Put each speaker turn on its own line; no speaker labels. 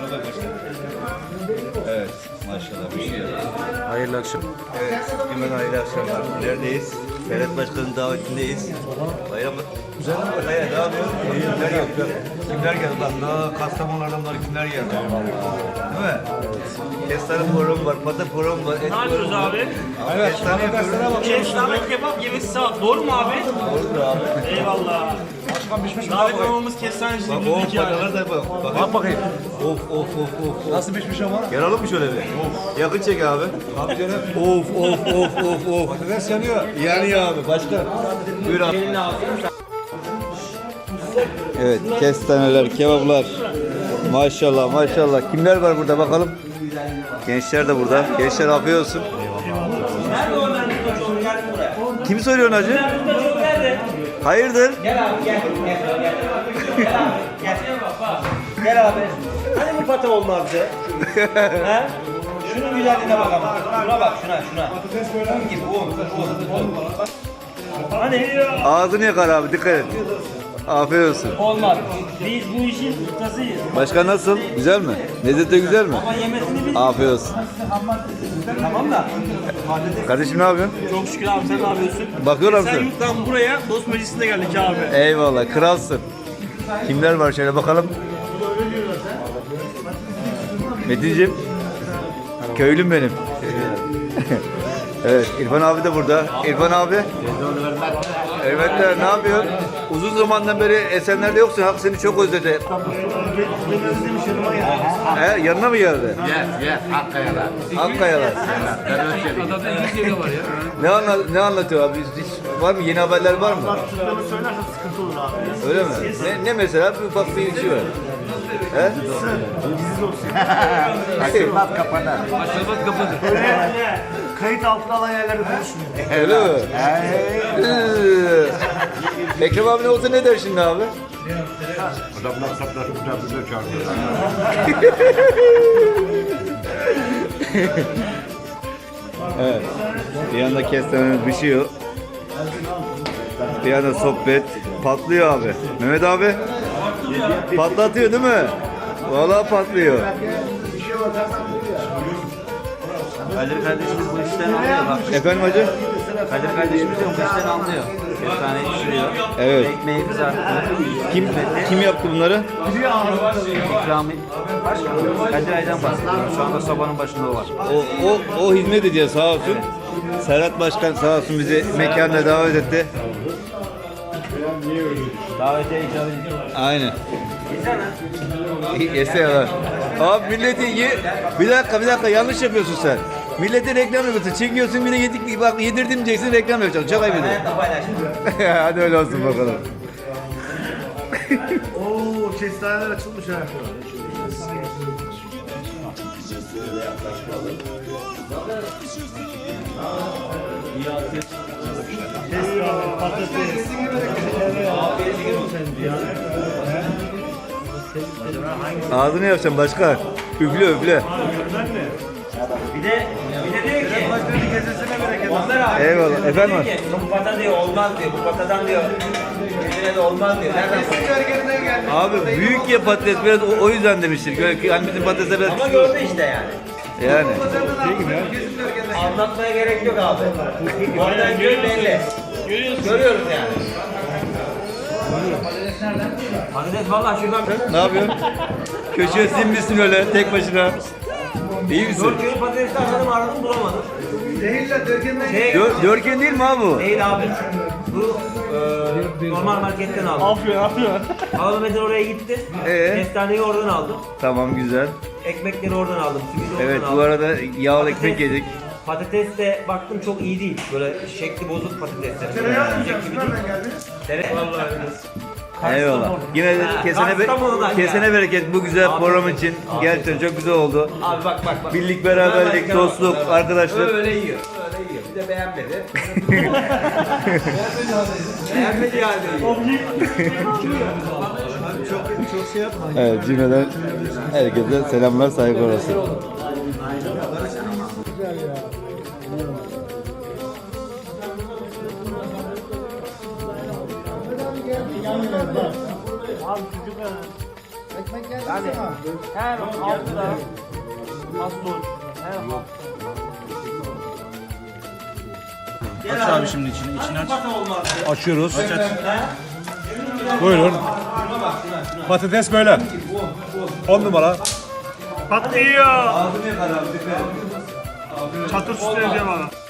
Evet, maşallah bir şey.
Hayırlı akşam.
Evet, hemen hayırlı akşamlar. Neredeyiz? Ferhat Başkan'ın davetindeyiz. Bayram güzel mi? Hayır, ne yapıyorsun? Kimler geldi? Kimler geldi? Bak, daha Kastamonu'lardan var, kimler geldi? Değil mi? Kestane programı var, pata programı var.
Ne yapıyoruz abi?
Evet, kestane yapıyoruz.
Kestane kebap yemesi saat. Doğru mu abi?
Doğrudur abi.
Eyvallah.
Başkan pişmiş mi?
Davet olmamız kestaneci
Bak,
bildik
of,
yani.
patalar da bak.
Bak bakayım.
Of.
Nasıl pişmiş ama?
Yer alalım mı şöyle bir? Yakın çek abi.
Abi canım.
Of.
Patates yanıyor.
Yani abi, başka. Buyur abi. Evet, kestaneler, kebaplar. Maşallah. Kimler var burada bakalım? Gençler de burada. Gençler afiyet olsun. Kim soruyor hacı? Hayırdır?
Gel abi gel. Gel abi. Hani bu pata olmazdı? He? Şunun güzelliğine bak ama. Şuna bak şuna. Un gibi un. Hani
Ağzını yakar abi, dikkat et. Afiyet olsun.
olmaz. Biz bu işin ustasıyız.
Başka nasıl? Güzel mi? Lezzeti güzel mi?
Ama yemesini biz.
Afiyet olsun.
Tamam da.
Kardeşim ne yapıyorsun?
Çok şükür abi sen ne yapıyorsun?
Bakıyorum
Sen
sen.
yurttan buraya dost meclisine geldik abi.
Eyvallah, kralsın. Kimler var şöyle bakalım. Metin'cim, köylüm benim. Evet, İrfan abi de burada. İrfan abi. Evet, ne yapıyorsun? Uzun zamandan beri Esenler'de yoksun. Hak seni çok özledi. Yanına mı geldi?
Yes, Akkaya'da.
Akkayalar.
Adada 2 kere var ya.
Ne anlatıyor abi? Hiç var mı? Yeni haberler var mı?
Türklerini söylersen sıkıntı olur abi.
Öyle mi? Ne mesela? Bir ufak bir şey var. He?
Açılmaz kapanır.
Açılmaz kapıdır.
Kayıt altına alan yerlerde konuşmuyor.
Öyle mi? Ekrem abi ne olsa ne der şimdi abi?
Adamlar sapları bize çağırıyor.
Evet. Bir yanda kestanemiz pişiyor. Bir yanda sohbet. Patlıyor abi. Mehmet abi. Patlatıyor değil mi? Vallahi patlıyor.
Kadir kardeşimiz bu işten anlıyor bak.
Efendim hacı?
Kadir kardeşimiz de bu işten anlıyor. Kestaneyi pişiriyor.
Evet.
Ekmeği kızarttı.
Kim yaptı bunları?
İkrami. Kadir Ay'dan bahsediyorum. Şu anda sobanın başında o var.
O hizmet ediyor sağ olsun. Serhat Başkan sağ olsun bizi mekanına davet etti.
Davete icabı ediyor.
Aynen. Yesene. Abi milleti bir dakika yanlış yapıyorsun sen. Milletin reklam yapıyorsun. Çekiyorsun bir de bak yedirdim diyeceksin reklam yapacaksın. Çok ayıp ediyor.
Hayatta paylaşım.
Hadi öyle olsun bakalım.
Oo kestaneler açılmış ha. Kestane, patates.
Ağzını yapacaksın başka. Üfle.
Bir de diyor ki onlar abi.
Eyvallah. Efendim?
Diyor ki, bu pata diyor olmaz diyor. Bu patadan diyor. Yüzüne de olmaz diyor. Nereden bu?
Abi büyük ya patates biraz o yüzden demiştir. Yani bizim patatesler biraz
Ama
küçük.
gördü işte yani.
Yani.
Anlatmaya gerek yok abi. Oradan görüp belli. Görüyoruz yani. Patates vallahi şuradan
Ne yapıyorsun? Köşeye sinmişsin öyle tek başına. İyi misin?
4 kilo patatesi aradım bulamadım.
Dörken değil mi abi bu?
Değil abi. Bu normal marketten aldım.
Afyon.
Ağlametin oraya gitti. Kestaneyi oradan aldım.
Tamam güzel.
Ekmekleri oradan aldım. Simidi oradan
Evet
aldım.
bu arada yağlı ekmek yedik.
Patates de baktım çok iyi değil. Böyle şekli bozuk patatesler. Yiyecek gibi değil.
Eyvallah. Yine de kesene bereket bu güzel program için. Gerçekten çok güzel oldu.
Abi bak.
Birlik, beraberlik, dostluk, arkadaşlar.
Öyle yiyor. Bir de beğenmedi. Beğenmedi yani.
Çok şey yapma.
Evet cümleden herkese selamlar, saygılar olsun.
Abi çocuk
Yani her hafta Aslı her hafta.
Aç abi şimdi içini aç.
Pata olmazdı.
Açıyoruz.
He?
Buyurun. Patates böyle. 10 numara.
Patlıyor.
Ağzını yakar abi. Dikkat et.
Çatır süsleyeceğim ana.